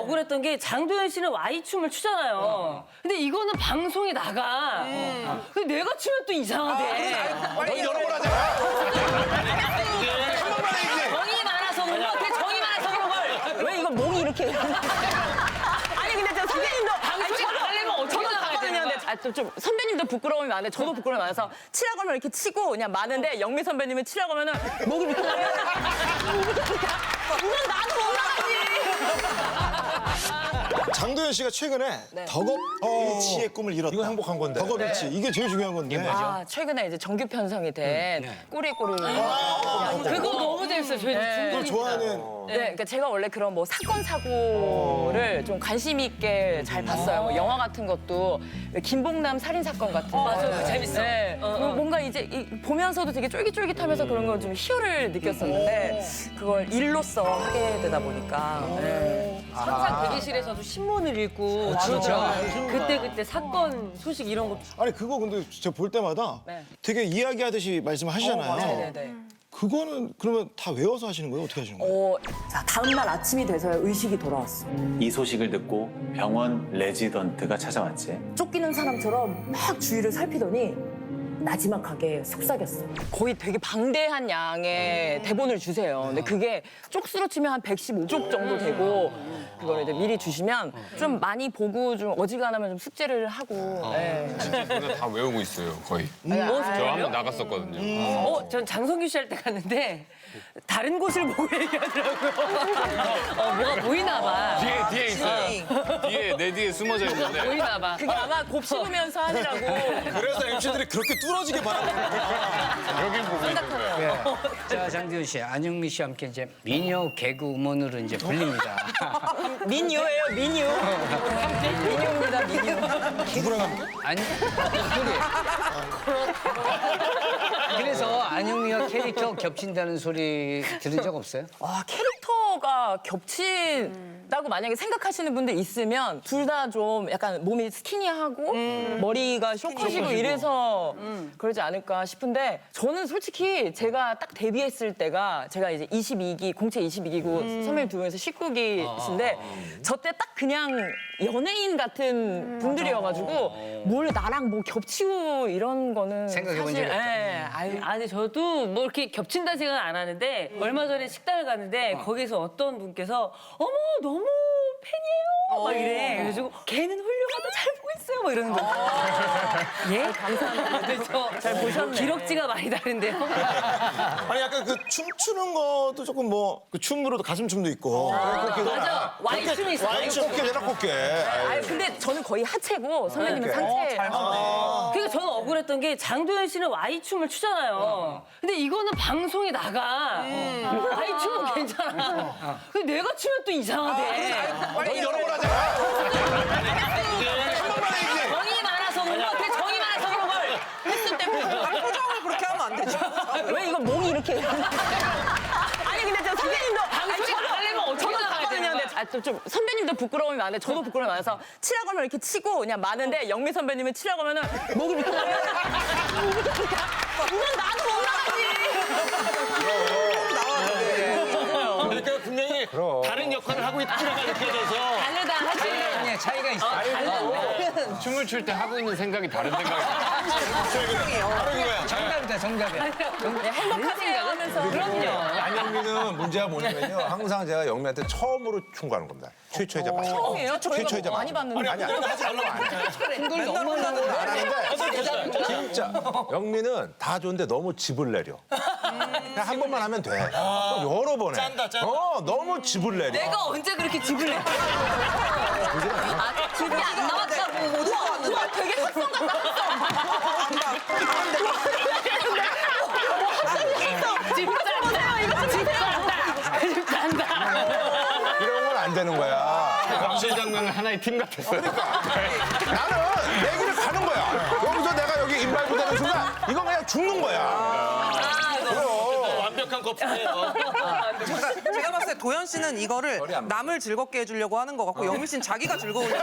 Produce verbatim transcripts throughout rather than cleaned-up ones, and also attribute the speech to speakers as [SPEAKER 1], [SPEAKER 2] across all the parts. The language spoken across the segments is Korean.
[SPEAKER 1] 억울했던 게 장도연 씨는 Y춤을 추잖아요. 어. 근데 이거는 방송에 나가. 음. 근데 내가 추면 또 이상하대.
[SPEAKER 2] 아, 너 여러 번 하잖아. 한 번만 해야지.
[SPEAKER 1] 정이 많아서 그런 거 같아. 정이 많아서 그런 걸.
[SPEAKER 3] 왜 이거 목이 이렇게. 아니, 근데 저 선배님도.
[SPEAKER 1] 방송에 나가려면 어떻게 나가야 되는 거야?
[SPEAKER 3] 아, 좀, 좀 선배님도 부끄러움이 많은데 저도 부끄러움이 많아서 치라고 하면 이렇게 치고 그냥 많은데 영미 선배님은 치라고 하면은 목이 이렇게 나면 이건 나도 올라가지.
[SPEAKER 4] 장도연 씨가 최근에 덕업 일치의 꿈을 이뤘다.
[SPEAKER 2] 이거 행복한 건데.
[SPEAKER 4] 덕업 일치. 이게 제일 중요한 건데.
[SPEAKER 3] 아, 최근에 이제 정규 편성이 된 꼬리꼬리.
[SPEAKER 1] 그거 너무 재밌어요. 저희
[SPEAKER 4] 그걸 좋아하는.
[SPEAKER 3] 네, 그러니까 제가 원래 그런 뭐 사건 사고를 좀 관심 있게 잘 봤어요. 뭐 영화 같은 것도 김봉남 살인 사건 같은 거.
[SPEAKER 1] 맞아, 그거 재밌어.
[SPEAKER 3] 네,
[SPEAKER 1] 어, 어.
[SPEAKER 3] 뭔가 이제 이, 보면서도 되게 쫄깃쫄깃하면서 그런 걸 좀 희열을 느꼈었는데 그걸 일로써 하게 되다 보니까. 네.
[SPEAKER 1] 항상 대기실에서도 신문을 읽고 진짜 그때 그때 사건 소식 이런 거.
[SPEAKER 4] 아니 그거 근데 제가 볼 때마다
[SPEAKER 3] 네.
[SPEAKER 4] 되게 이야기하듯이 말씀하시잖아요.
[SPEAKER 3] 네네네.
[SPEAKER 4] 그거는 그러면 다 외워서 하시는 거예요? 어떻게 하시는 거예요?
[SPEAKER 3] 어, 자, 다음날 아침이 돼서야 의식이 돌아왔어.
[SPEAKER 5] 이 소식을 듣고 병원 레지던트가 찾아왔지.
[SPEAKER 3] 쫓기는 사람처럼 막 주위를 살피더니 나지막하게 속삭였어. 거의 되게 방대한 양의 대본을 주세요. 근데 그게 쪽수로 치면 한 백십오 쪽 정도 되고 그걸 이제 미리 주시면 좀 많이 보고 좀 어지간하면 좀 숙제를 하고. 네.
[SPEAKER 6] 저는 다 외우고 있어요, 거의.
[SPEAKER 1] 뭐
[SPEAKER 6] 저 한 번 나갔었거든요.
[SPEAKER 1] 어, 전 장성규 씨 할 때 갔는데 다른 곳을 보고 얘기하더라고요. 어, 뭐가 보이나 봐.
[SPEAKER 6] 뒤에, 뒤에 있어요. 뒤에, 내 뒤에 숨어져 있는데.
[SPEAKER 1] 보이나 봐.
[SPEAKER 3] 그게 아마 곱씹으면서 하느라고.
[SPEAKER 4] 그래서 엠씨들이 그렇게 뚫어지게 바라보는
[SPEAKER 6] 여긴 보고 있어요.
[SPEAKER 7] 자, 장도연 씨, 안영미 씨와 함께 이제 미녀 개그 우먼으로 이제 불립니다.
[SPEAKER 3] 민요예요, 민요. 민요입니다, 민요.
[SPEAKER 4] 누구랑 함께?
[SPEAKER 7] 아니, 그래. 그래서 안영미와 캐릭터 겹친다는 소리 들은 적 없어요?
[SPEAKER 3] 아, 캐릭터가 겹친다고 만약에 생각하시는 분들 있으면 둘 다 좀 약간 몸이 스키니하고 머리가 쇼컷이고 이래서 그러지 않을까 싶은데 저는 솔직히 제가 딱 데뷔했을 때가 제가 이제 이십이 기, 공채 이십이 기고 선배님 두 분에서 십구 기신데 저 때 딱 그냥 연예인 같은 분들이어가지고 뭘 나랑 뭐 겹치고 이런 거는
[SPEAKER 7] 생각해 본
[SPEAKER 3] 사실,
[SPEAKER 7] 적이 없다.
[SPEAKER 3] 예, 아유,
[SPEAKER 1] 아, 근데 저도 뭐 이렇게 겹친다 생각은 안 하는데 얼마 전에 식당을 갔는데 거기서 어떤 분께서 어머 너무 팬이에요 막 이래. 그래가지고 걔는 훌륭하다 잘 보고 있어요 막 이러는 거예요. 예? 감사합니다. 그래서 잘 보셨네. 기럭지가 많이 다른데요.
[SPEAKER 4] 아니 약간 그 춤추는 것도 조금 뭐 그 춤으로도 가슴 춤도 있고. 그렇게
[SPEAKER 1] 맞아. Y춤이 있어.
[SPEAKER 4] Y춤 꽃게 내라 꽃게.
[SPEAKER 3] 아유, 근데 저는 거의 하체고 선배님은 상체.
[SPEAKER 1] 그러니까 저는 억울했던 게 장도연 씨는 Y춤을 추잖아요. 근데 이거는 방송에 나가. Y춤은 괜찮아. 근데 내가 추면 또 이상하대.
[SPEAKER 2] 너 여러 번 하잖아. 한 번만 해야지.
[SPEAKER 1] 정이 많아서 그런 거 같아. 정이 많아서 그런 걸.
[SPEAKER 3] 횟수 때문에.
[SPEAKER 8] 표정을 그렇게 하면 안 되죠.
[SPEAKER 3] 왜 이거 목이 이렇게. 아니, 근데 저 선배님도.
[SPEAKER 1] 방송에 나가려면 어떻게 나가야 되는 거야?
[SPEAKER 3] 아, 좀, 좀 선배님도 부끄러움이 많은데 저도 부끄러움이 많아서 치라고 하면 이렇게 치고 그냥 많은데 영미 선배님은 치라고 하면은 목이 이렇게 나면 이건 나도 올라가지.
[SPEAKER 2] 그러니까 분명히 다른 역할을 하고 있다가 느껴져서.
[SPEAKER 1] 다르다 하지.
[SPEAKER 7] 아니, 차이가 있어.
[SPEAKER 6] 춤을 출 때 하고 있는 생각이 다른 생각이
[SPEAKER 7] 정답이다, 정답이야.
[SPEAKER 3] 행복하세요 하면서.
[SPEAKER 1] 그럼요.
[SPEAKER 2] 안영미는 문제가 뭐냐면요. 항상 제가 영미한테 처음으로 충고하는 겁니다. 최초의 자막.
[SPEAKER 3] 처음이에요? 저희가
[SPEAKER 2] 최초의
[SPEAKER 3] 뭐 많이 봤는데.
[SPEAKER 2] 아니, 아니, 하지 말라고 안 해.
[SPEAKER 7] 그걸 너무 하는
[SPEAKER 2] 안 하는데 진짜 영미는 다 좋은데 너무 집을 내려. 그냥 한 번만 하면 돼. 여러 번 해.
[SPEAKER 4] 짠다, 짠다.
[SPEAKER 2] 어, 너무 집을 내려.
[SPEAKER 1] 내가 언제 그렇게 집을 내? 아, 집이 안 나왔다고.
[SPEAKER 3] 우와, 우와, 되게 합성 같다.
[SPEAKER 1] 집 짠다. 이거 집 짠다. 집 짠다.
[SPEAKER 2] 이런 건 안 되는 거야.
[SPEAKER 6] 감실 장면은 하나의 팀 같았어요.
[SPEAKER 2] 나는 내 길을 가는 거야. 여기서 내가 여기 인발부 되는 순간 이건 그냥 죽는 거야.
[SPEAKER 1] 아,
[SPEAKER 2] 그럼.
[SPEAKER 6] 완벽한 커플이에요.
[SPEAKER 8] 제가, 제가 봤을 때 도현 씨는 이거를 남을 즐겁게 해주려고 하는 것 같고 영미 씨는 자기가 즐거우려고.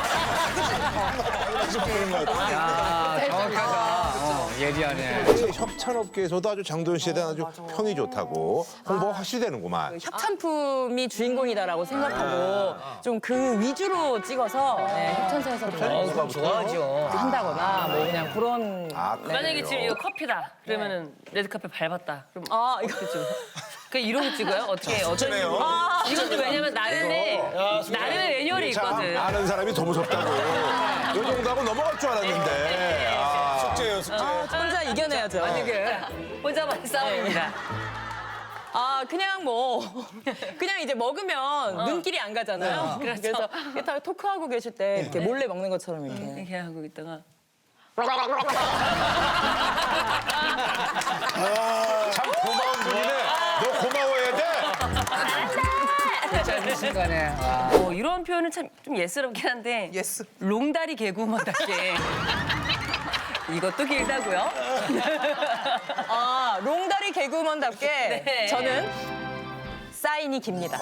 [SPEAKER 7] 야, 정확하다. 어, 예리하네.
[SPEAKER 2] 협찬업계에서도 아주 장도연 씨에 대한 아주 평이 좋다고 홍보가 확실히 되는구만.
[SPEAKER 3] 협찬품이 주인공이다라고 생각하고 좀 그 위주로 찍어서 네, 협찬사에서도
[SPEAKER 7] 어, 그럼 좋아하죠.
[SPEAKER 3] 한다거나 뭐 그냥 그런
[SPEAKER 2] 아,
[SPEAKER 1] 만약에 지금 이거 커피다. 그러면은 레드카펫 밟았다. 그럼
[SPEAKER 3] 아 이거
[SPEAKER 1] 그 이런 거 찍어요? 어떻게 어떤
[SPEAKER 4] 좋네요.
[SPEAKER 1] 식으로? 이것도 왜냐면 나름의 나름의 매뉴얼이
[SPEAKER 2] 참
[SPEAKER 1] 있거든.
[SPEAKER 2] 아는 사람이 더 무섭다고. 이 정도 하고 넘어갈 줄 알았는데. 아.
[SPEAKER 4] 숙제예요, 숙제.
[SPEAKER 3] 혼자 이겨내야죠.
[SPEAKER 1] 혼자만의 싸움입니다.
[SPEAKER 3] 아 그냥 뭐 그냥 이제 먹으면 눈길이 안 가잖아요.
[SPEAKER 1] 그렇죠.
[SPEAKER 3] 그래서 이렇게 토크하고 계실 때 이렇게 몰래 먹는 것처럼 이렇게.
[SPEAKER 1] 이렇게 하고 있다가
[SPEAKER 2] 참 고마운 분이네. 너 고마워해야 돼.
[SPEAKER 7] 짧은 순간에. 아.
[SPEAKER 1] 어, 이런 표현은 참 좀 예스럽긴 한데
[SPEAKER 8] 예스.
[SPEAKER 1] 롱다리 개구먼답게 이것도 길다고요?
[SPEAKER 3] 아 롱다리 개그우먼답게
[SPEAKER 1] 네.
[SPEAKER 3] 저는 사인이 깁니다.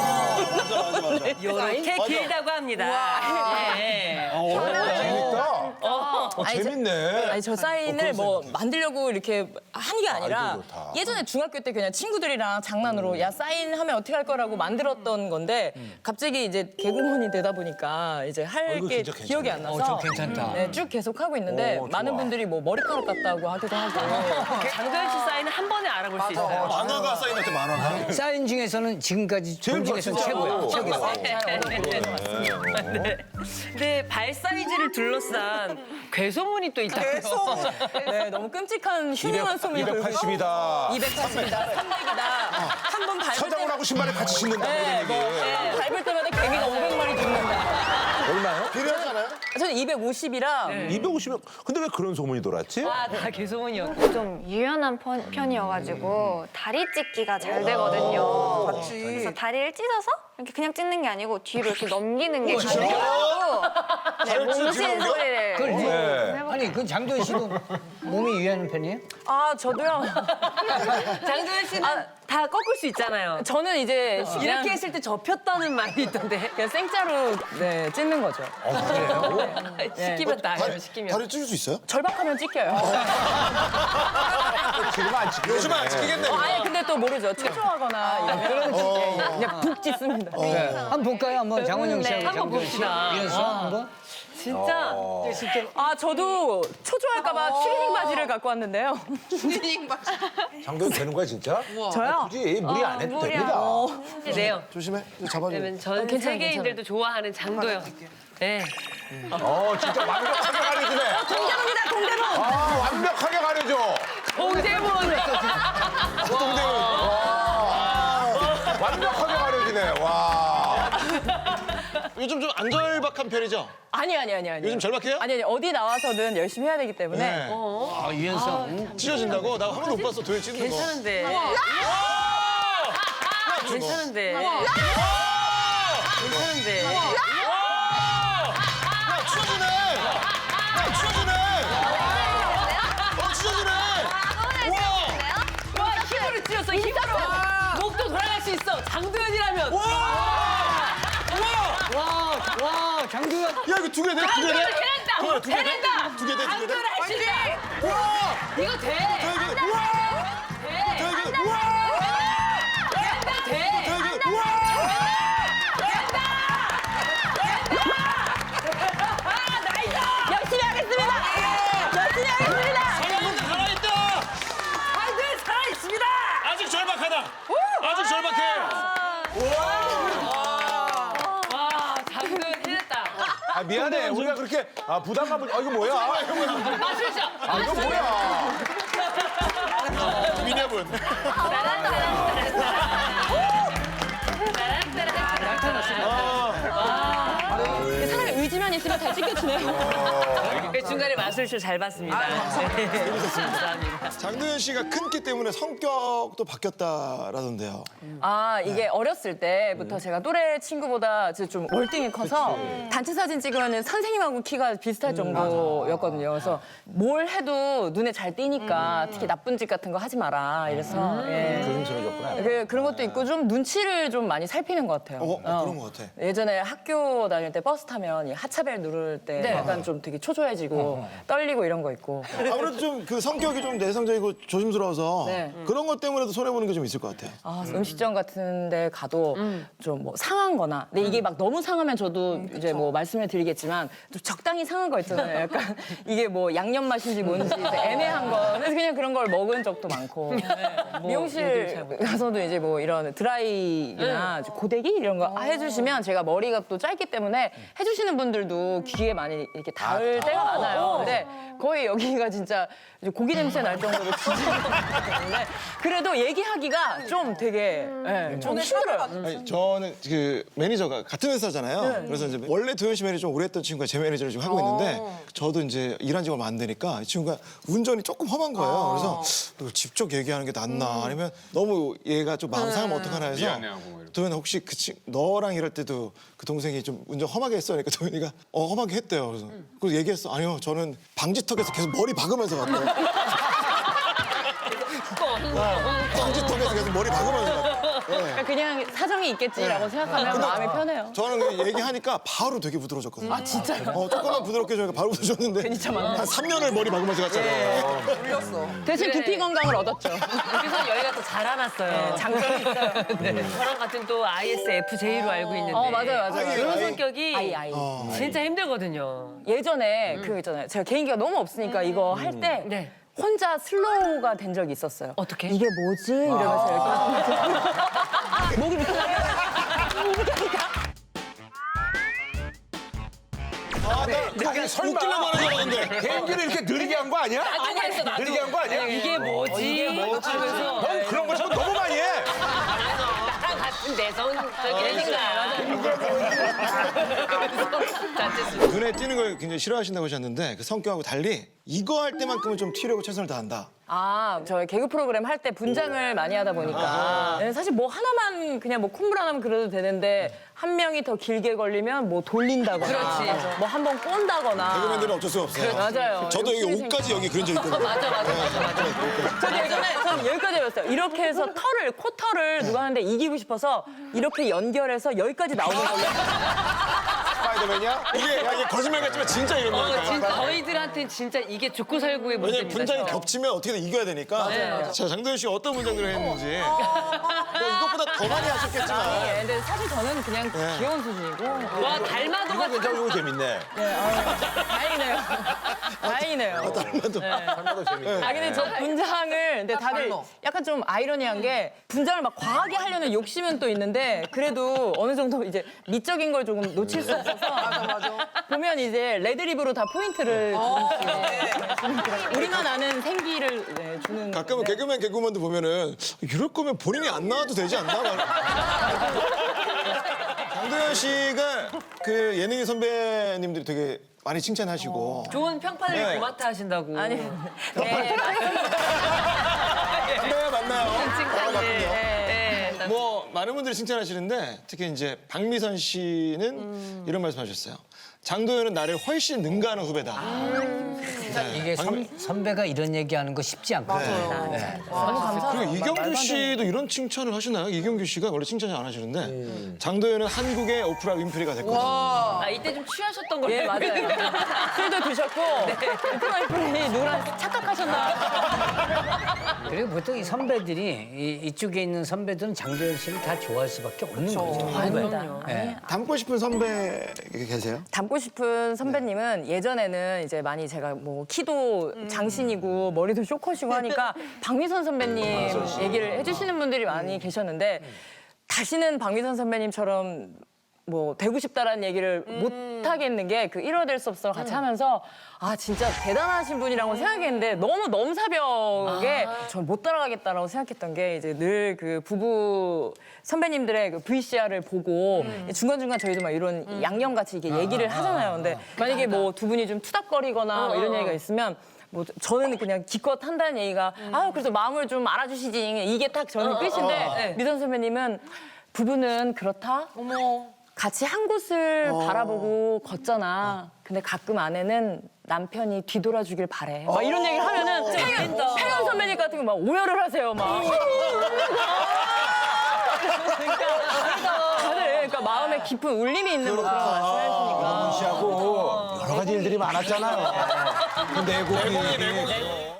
[SPEAKER 1] 이렇게
[SPEAKER 4] 맞아.
[SPEAKER 1] 길다고 합니다. 예.
[SPEAKER 2] 재밌다. 어,
[SPEAKER 3] 아니, 저-
[SPEAKER 2] 재밌네.
[SPEAKER 3] 아니 저 사인을 뭐 만들려고 이렇게 하는 게 아니라
[SPEAKER 2] 아이디어 좋다.
[SPEAKER 3] 예전에 중학교 때 그냥 친구들이랑 장난으로 야 사인하면 어떻게 할 거라고 만들었던 건데 갑자기 이제 개그우먼이 되다 보니까 이제 할
[SPEAKER 2] 이거
[SPEAKER 3] 게
[SPEAKER 2] 진짜 괜찮네.
[SPEAKER 3] 기억이 안
[SPEAKER 7] 어,
[SPEAKER 3] 나서
[SPEAKER 7] 저 괜찮다.
[SPEAKER 3] 네, 쭉 계속 하고 있는데
[SPEAKER 2] 오, 좋아.
[SPEAKER 3] 많은 분들이 뭐 머리카락 같다고 하기도 하고
[SPEAKER 1] 장도연 씨 사인은 한 번에 알아볼 수 있어요.
[SPEAKER 4] 만화가 사인할 때 만화가.
[SPEAKER 7] 사인 중에서는 지금까지 본 중에서는 최고야. 최고야.
[SPEAKER 1] 네. 근데 발 사이즈를 둘러싼 괴소문이 또 있다고요.
[SPEAKER 8] 계속.
[SPEAKER 3] 네, 너무 끔찍한 흉흉한 소문이 돌고 있어요.
[SPEAKER 2] 이백팔십이다.
[SPEAKER 3] 이백팔십이다, 삼백이다. 한 번 밟을
[SPEAKER 2] 서장을
[SPEAKER 3] 때
[SPEAKER 2] 하고 신발에 같이 신는다.
[SPEAKER 3] 네, 뭐, 한 번 밟을 때마다 개미가 오백 마리 죽는다.
[SPEAKER 2] 얼마요?
[SPEAKER 4] 필요하잖아요.
[SPEAKER 3] 저는 이백오십이라
[SPEAKER 2] 이백오십이면 근데 왜 그런 소문이 돌았지?
[SPEAKER 1] 아, 다 괴소문이었고.
[SPEAKER 9] 좀 유연한 편, 편이어가지고 다리 찢기가 잘 되거든요. 그래서 다리를 찢어서 이렇게 그냥 찢는 게 아니고 뒤로 이렇게 넘기는 게 가능해가지고 네, 몸신 소리를
[SPEAKER 7] 그걸
[SPEAKER 9] 좀
[SPEAKER 2] 네.
[SPEAKER 9] 해볼게요.
[SPEAKER 7] 아니, 그 장도연 씨도 몸이 유연한 편이에요?
[SPEAKER 3] 아 저도요.
[SPEAKER 1] 장도연 씨는 다 꺾을 수 있잖아요.
[SPEAKER 3] 저는 이제 그냥
[SPEAKER 1] 이렇게 했을 때 접혔다는 말이 있던데.
[SPEAKER 3] 그냥 생짜로 네, 찢는 거죠.
[SPEAKER 1] 시키면 나요, 시키면.
[SPEAKER 4] 다리 찢을 수 있어요?
[SPEAKER 3] 절박하면 찢겨요.
[SPEAKER 2] 지금 안 지키겠네.
[SPEAKER 4] 요즘은 안 지키겠네.
[SPEAKER 3] 어, 아니 근데 또 모르죠. 초조하거나 이러면 예, 예, 그냥 북 찢습니다.
[SPEAKER 7] 네. 한번 볼까요? 한번 장원영 씨하고
[SPEAKER 1] 네, 한번
[SPEAKER 7] 장도연 씨.
[SPEAKER 1] 봅시다.
[SPEAKER 7] 이래서 한번.
[SPEAKER 1] 진짜.
[SPEAKER 3] 아 저도 초조할까봐 추리닝 바지를 갖고 왔는데요.
[SPEAKER 2] 장도연 되는 거야 진짜?
[SPEAKER 3] 저요?
[SPEAKER 2] 굳이 무리 안 해도 됩니다.
[SPEAKER 1] 네요.
[SPEAKER 4] 조심해. 잡아줘.
[SPEAKER 1] 그러면 전
[SPEAKER 3] 괜찮아요,
[SPEAKER 1] 세계인들도 좋아하는 장도연. 네.
[SPEAKER 2] 어 진짜 완벽하게 가려주네.
[SPEAKER 3] 동대문이다 동대문.
[SPEAKER 2] 아 완벽하게 가려줘.
[SPEAKER 1] 동대문.
[SPEAKER 2] 동대문. 와. 완벽하게 가려주네. 와.
[SPEAKER 4] 요즘 좀 안절박한 편이죠?
[SPEAKER 3] 아니 아니 아니 아니.
[SPEAKER 4] 요즘 절박해요?
[SPEAKER 3] 아니 아니 어디 나와서든 열심히 해야 되기 때문에.
[SPEAKER 4] 네.
[SPEAKER 7] 아, 유연성.
[SPEAKER 4] 찢어진다고? 나 한 번도 못 봤어, 도현 찢는 거.
[SPEAKER 1] 괜찮은데. 괜찮은데. 괜찮은데.
[SPEAKER 4] 야, 찢어지네! 야, 찢어지네! 어, 찢어지네! 우와!
[SPEAKER 1] 와, 힘으로 찢었어, 힘으로. 목도 돌아갈 수 있어. 장도연이라면.
[SPEAKER 4] 우와!
[SPEAKER 7] 와, 장도연.
[SPEAKER 4] 야, 이거 두 개 돼? 두 개 돼?
[SPEAKER 1] 해낸다.
[SPEAKER 4] 도현아, 두 개 돼?
[SPEAKER 1] 해낸다.
[SPEAKER 4] 두 개 돼? 두 개 돼?
[SPEAKER 1] 장도연 할수 있다.
[SPEAKER 4] 우와!
[SPEAKER 1] 이거 돼.
[SPEAKER 4] 야, 이거, 우와!
[SPEAKER 1] 돼.
[SPEAKER 4] 야, 이거, 우와!
[SPEAKER 1] 돼.
[SPEAKER 4] 야, 이거, 우와!
[SPEAKER 3] 열심히 하겠습니다. 열심히 하겠습니다.
[SPEAKER 4] 살아있다, 살아있다!
[SPEAKER 1] 장도연 살아있습니다.
[SPEAKER 4] 아직 절박하다! 아직 절박해!
[SPEAKER 1] 와, 장도연 해냈다.
[SPEAKER 2] 아 미안해. 우리가 그렇게 아 부담감을. 아 이거 뭐야?
[SPEAKER 1] 마시죠.
[SPEAKER 2] 아 이거 뭐야?
[SPEAKER 4] 미녀분.
[SPEAKER 3] 사람의 의지만 있으면 다 찢겨지네요.
[SPEAKER 1] 그 중간에 마술쇼 잘 봤습니다. 네. 감사합니다.
[SPEAKER 4] 장도연 씨가 큰 키 때문에 성격도 바뀌었다라던데요.
[SPEAKER 3] 아 이게 어렸을 때부터 제가 또래 친구보다 이제 좀 월등히 커서 단체 사진 찍으면 선생님하고 키가 비슷할 정도였거든요. 그래서 뭘 해도 눈에 잘 띄니까 특히 나쁜 짓 같은 거 하지 마라 이래서 예.
[SPEAKER 2] 조심스러워졌구나.
[SPEAKER 3] 그, 그런 것도 있고 좀 눈치를 좀 많이 살피는 것 같아요.
[SPEAKER 4] 어, 어, 그런 것 같아.
[SPEAKER 3] 예전에 학교 다닐 때 버스 타면 이 하차벨 누를 때
[SPEAKER 1] 네.
[SPEAKER 3] 약간 좀 되게 초조해지고 떨리고 이런 거 있고.
[SPEAKER 4] 아무래도 좀 그 성격이 좀 내성적이고 조심스러워서
[SPEAKER 3] 네.
[SPEAKER 4] 그런 것 때문에도 손해 보는 게 좀 있을 것 같아요.
[SPEAKER 3] 아, 음식점 같은 데 가도 좀 뭐 상한 거나 근데 이게 막 너무 상하면 저도 이제 뭐 말씀을 드리겠지만 좀 적당히 상한 거 있잖아요. 약간 이게 뭐 양념 맛인지 뭔지 이제 애매한 거 그래서 그냥 그런 걸 먹은 적도 많고 미용실 가서도 이제 뭐 이런 드라이나 고데기 이런 거 해주시면 제가 머리가 또 짧기 때문에 해주시는 분들도 귀에 많이 이렇게 닿을 때가 많아요. 근데 거의 여기가 진짜 이제 고기 냄새 날 정도로 진짜 때문에 그래도 얘기하기가 좀 되게 예, 좀 힘들어요.
[SPEAKER 4] 아니, 저는 그 매니저가 같은 회사잖아요.
[SPEAKER 3] 네.
[SPEAKER 4] 그래서 이제 원래 도현 씨 매니저 좀 오래 했던 친구가 제 매니저를 지금 하고 있는데 저도 이제 일한 지가 얼마 안 되니까 이 친구가 운전이 조금 험한 거예요. 그래서 이걸 직접 얘기하는 게 낫나 아니면 너무 얘가 좀 마음 상하면 어떡하나 해서
[SPEAKER 6] 미안해하고 뭐 이렇게.
[SPEAKER 4] 도현 혹시 그 친, 너랑 일할 때도 그 동생이 좀 운전 험하게 했어? 그러니까 도현이가 어 험하게 했대요. 그래서 그래서 얘기했어. 아니요 저는 방지턱에서 계속 머리 박으면서 갔대요. 방지턱에서 계속 머리 박으면서 갔대요.
[SPEAKER 3] 그러니까 그냥 사정이 있겠지라고 생각하면 마음이 편해요.
[SPEAKER 4] 저는 그냥 얘기하니까 바로 되게 부드러워졌거든요. 아, 진짜요? 어, 조금만 부드럽게 해주니까 바로 부드러워졌는데. 한 삼 년을 머리 박으면서 갔잖아요.
[SPEAKER 8] 울렸어.
[SPEAKER 3] 대신 두피 건강을 얻었죠.
[SPEAKER 1] 그래서 여기가 또 자라났어요. 장점이 있어요. 저랑 같은 또 아이에스에프제이로 알고 있는데.
[SPEAKER 3] 어, 맞아요, 맞아요.
[SPEAKER 1] 이런
[SPEAKER 4] 아이.
[SPEAKER 1] 성격이
[SPEAKER 3] 아이, 아이.
[SPEAKER 1] 진짜 힘들거든요.
[SPEAKER 3] 예전에 그 있잖아요. 제가 개인기가 너무 없으니까 이거 할 때
[SPEAKER 1] 네.
[SPEAKER 3] 혼자 슬로우가 된 적이 있었어요.
[SPEAKER 1] 어떻게?
[SPEAKER 3] 이게 뭐지? 이러면서 이렇게 목이 밑에
[SPEAKER 4] 아, 나 그거 설마. 웃기려고 하는 줄 알았는데.
[SPEAKER 2] 개인기를 이렇게 느리게 한 거 아니야?
[SPEAKER 1] 나도 했어, 나도.
[SPEAKER 2] 느리게 한 거 아니야?
[SPEAKER 1] 이게 뭐지? 이게 뭐지? 하면서
[SPEAKER 2] 넌 그런 거 자꾸 너무 많이 해.
[SPEAKER 1] 나랑 같은 내성적이니까. 자체수.
[SPEAKER 4] 눈에 띄는 걸 굉장히 싫어하신다고 하셨는데 그 성격하고 달리 이거 할 때만큼은 좀 튀려고 최선을 다한다.
[SPEAKER 3] 아, 저 개그 프로그램 할 때 분장을 많이 하다 보니까 네, 사실 뭐 하나만 그냥 뭐 콧물 하나만 그려도 되는데 한 명이 더 길게 걸리면 뭐 돌린다거나
[SPEAKER 1] 그렇지.
[SPEAKER 3] 뭐 한 번 꼰다거나
[SPEAKER 4] 개그맨들은 어쩔 수가 없어요.
[SPEAKER 3] 맞아요.
[SPEAKER 4] 저도 여기
[SPEAKER 3] 욕심이
[SPEAKER 4] 옷까지 여기 그런 적 있거든요.
[SPEAKER 1] 맞아, 맞아, 맞아, 맞아.
[SPEAKER 3] 저도 예전에 전 여기까지 해봤어요. 이렇게 해서 털을, 코털을 누가 하는데 이기고 싶어서 이렇게 연결해서 여기까지 나오는 거예요.
[SPEAKER 4] 스파이더맨이야? 이게, 야, 이게 거짓말 같지만 진짜 이런
[SPEAKER 1] 어,
[SPEAKER 4] 거니까.
[SPEAKER 1] 진짜 저희들한테는 진짜 이게 죽고 살고의
[SPEAKER 4] 왜냐면
[SPEAKER 1] 문제입니다.
[SPEAKER 4] 분장이
[SPEAKER 1] 진짜.
[SPEAKER 4] 겹치면 어떻게든 이겨야 되니까. 자, 장도연 씨 어떤 분장들을 했는지. 뭐 이것보다 더 많이 하셨겠지만.
[SPEAKER 3] 예, 근데 사실 저는 그냥 귀여운 수준이고.
[SPEAKER 1] 와, 달마도가
[SPEAKER 2] 이거 괜찮고 이거 재밌네.
[SPEAKER 3] 다행이네요. 다행이네요.
[SPEAKER 4] 달마도.
[SPEAKER 2] 하나도 재밌네.
[SPEAKER 3] 아 근데 저 분장을 근데 다들
[SPEAKER 8] 달러.
[SPEAKER 3] 약간 좀 아이러니한 게 분장을 막 과하게 하려는 욕심은 또 있는데 그래도 어느 정도 이제 미적인 걸 조금 놓칠 수 없어서 보면 이제 레드립으로 다 포인트를 주는 우리만 아는 생기를 네, 주는
[SPEAKER 4] 가끔은
[SPEAKER 3] 건데.
[SPEAKER 4] 개그맨 개그맨도 보면은 이럴 거면 본인이 안 나와도 되지 않나? 장도연 씨가 그 예능인 선배님들이 되게 많이 칭찬하시고
[SPEAKER 1] 좋은 평판을
[SPEAKER 4] 네.
[SPEAKER 1] 고마타 하신다고.
[SPEAKER 3] 아니 네, 맞습니다.
[SPEAKER 4] 네, 맞나요? 아,
[SPEAKER 1] 칭찬을.
[SPEAKER 4] 맞군요.
[SPEAKER 1] 네. 네.
[SPEAKER 4] 뭐 많은 분들이 칭찬하시는데 특히 이제 박미선 씨는 이런 말씀하셨어요. 장도연은 나를 훨씬 능가하는 후배다.
[SPEAKER 7] 이게 선, 선배가 이런 얘기하는 거 쉽지 않거든요. 네.
[SPEAKER 3] 너무 감사합니다.
[SPEAKER 4] 그리고 이경규 씨도 이런 칭찬을 하시나요? 이경규 씨가 원래 칭찬을 안 하시는데 장도연은 한국의 오프라 윈프리가 됐거든요.
[SPEAKER 1] 아, 이때 좀 취하셨던 걸로.
[SPEAKER 3] 예 맞아요. 술도 드셨고 오프라인분이 누구랑 착각하셨나.
[SPEAKER 7] 그리고 보통 이 선배들이 이, 이쪽에 있는 선배들은 장도연 씨를 다 좋아할 수밖에 없는 거죠.
[SPEAKER 3] 아닙니다.
[SPEAKER 7] 네.
[SPEAKER 4] 닮고 싶은 선배 계세요?
[SPEAKER 3] 닮고 싶은 선배님은 예전에는 이제 많이 제가 뭐 키도 장신이고 머리도 쇼컷이고 하니까 박미선 선배님 얘기를 해주시는 분들이 많이 계셨는데 다시는 박미선 선배님처럼 뭐 되고 싶다라는 얘기를 못 하겠는 게 그 일화 될 수 없어 같이 하면서 아 진짜 대단하신 분이라고 생각했는데 너무 넘사벽에 전 못 따라가겠다라고 생각했던 게 이제 늘 그 부부 선배님들의 그 브이씨알을 보고 중간중간 저희도 막 이런 양념같이 이렇게 얘기를 하잖아요. 근데 만약에 뭐 두 분이 좀 투닥거리거나 뭐 이런 얘기가 있으면 뭐 저는 그냥 기껏 한다는 얘기가 아 그래서 마음을 좀 알아주시지 이게 딱 저는 끝인데 미선 선배님은 부부는 그렇다. 같이 한 곳을 바라보고 걷잖아. 근데 가끔 아내는 남편이 뒤돌아주길 바래. 막 이런 얘기를 하면은 태연, 태연 선배님 같은 거 막 오열을 하세요. 막. 그러니까 다들 그러니까 마음에 깊은 울림이 있는 그런 말씀하시니까.
[SPEAKER 2] 영훈 씨하고 여러 가지 일들이 많았잖아요. 그 내곡이.